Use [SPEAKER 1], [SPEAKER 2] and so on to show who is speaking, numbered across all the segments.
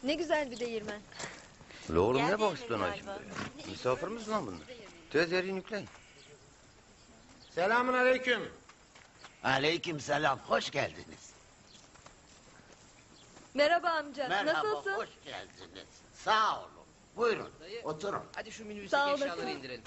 [SPEAKER 1] Ne güzel bir değirmen.
[SPEAKER 2] La oğlum
[SPEAKER 3] Geldi
[SPEAKER 2] ne bak
[SPEAKER 3] mi
[SPEAKER 2] istiyorsun ha
[SPEAKER 3] galiba?
[SPEAKER 2] şimdi? Misafir misin lan bunlar? Tez yerini yükleyin.
[SPEAKER 4] Selamun aleyküm.
[SPEAKER 5] Aleykümselam, hoş geldiniz.
[SPEAKER 1] Merhaba amca.
[SPEAKER 5] Merhaba,
[SPEAKER 1] Nasılsın?
[SPEAKER 5] hoş geldiniz. Sağ olun. Buyurun, oturun.
[SPEAKER 6] Hadi şu
[SPEAKER 1] Sağ
[SPEAKER 6] minibüsteki
[SPEAKER 1] olasın.
[SPEAKER 6] eşyaları indirelim.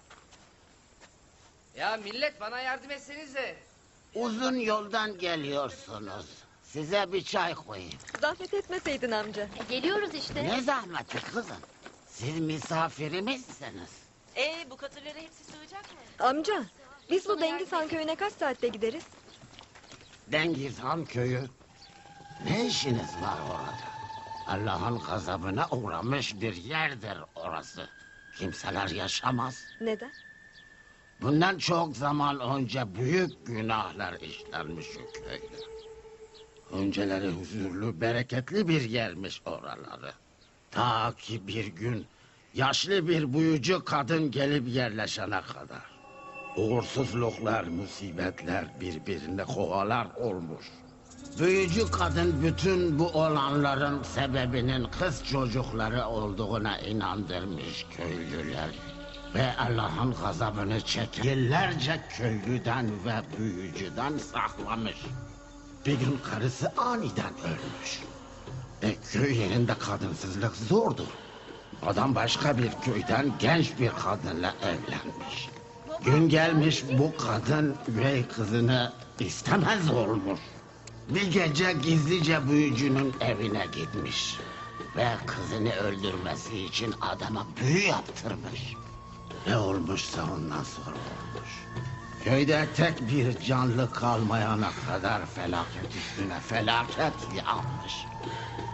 [SPEAKER 6] Ya millet bana yardım etsenize.
[SPEAKER 5] Uzun yoldan geliyorsunuz. Size bir çay koyayım.
[SPEAKER 1] Zahmet etmeseydin amca.
[SPEAKER 3] Geliyoruz işte.
[SPEAKER 5] Ne zahmeti kızım? Siz misafirimizsiniz.
[SPEAKER 3] Bu katırlara hepsi sığacak mı?
[SPEAKER 1] Amca, biz bu Dengiz köyüne kaç saatte gideriz?
[SPEAKER 5] Dengizhan köyü. Ne işiniz var orada? Allah'ın gazabına uğramış bir yerdir orası. Kimseler yaşamaz.
[SPEAKER 1] Neden?
[SPEAKER 5] Bundan çok zaman önce büyük günahlar işlenmiş o köyde. Önceleri huzurlu, bereketli bir yermiş oraları. Ta ki bir gün yaşlı bir büyücü kadın gelip yerleşene kadar. Uğursuzluklar, musibetler birbirine kovalar olmuş. Büyücü kadın bütün bu olanların sebebinin kız çocukları olduğuna inandırmış köylüler. Ve Allah'ın gazabını çekip yıllarca köylüden ve büyücüden saklamış. Bir gün karısı aniden ölmüş. Köy yerinde kadınsızlık zordur. Adam başka bir köyden genç bir kadınla evlenmiş. Gün gelmiş bu kadın üvey kızını istemez olmuş. Bir gece gizlice büyücünün evine gitmiş. Ve kızını öldürmesi için adama büyü yaptırmış. Ne olmuşsa ondan sonra olmuş. Köyde tek bir canlı kalmayana kadar felaket üstüne felaket yağmış.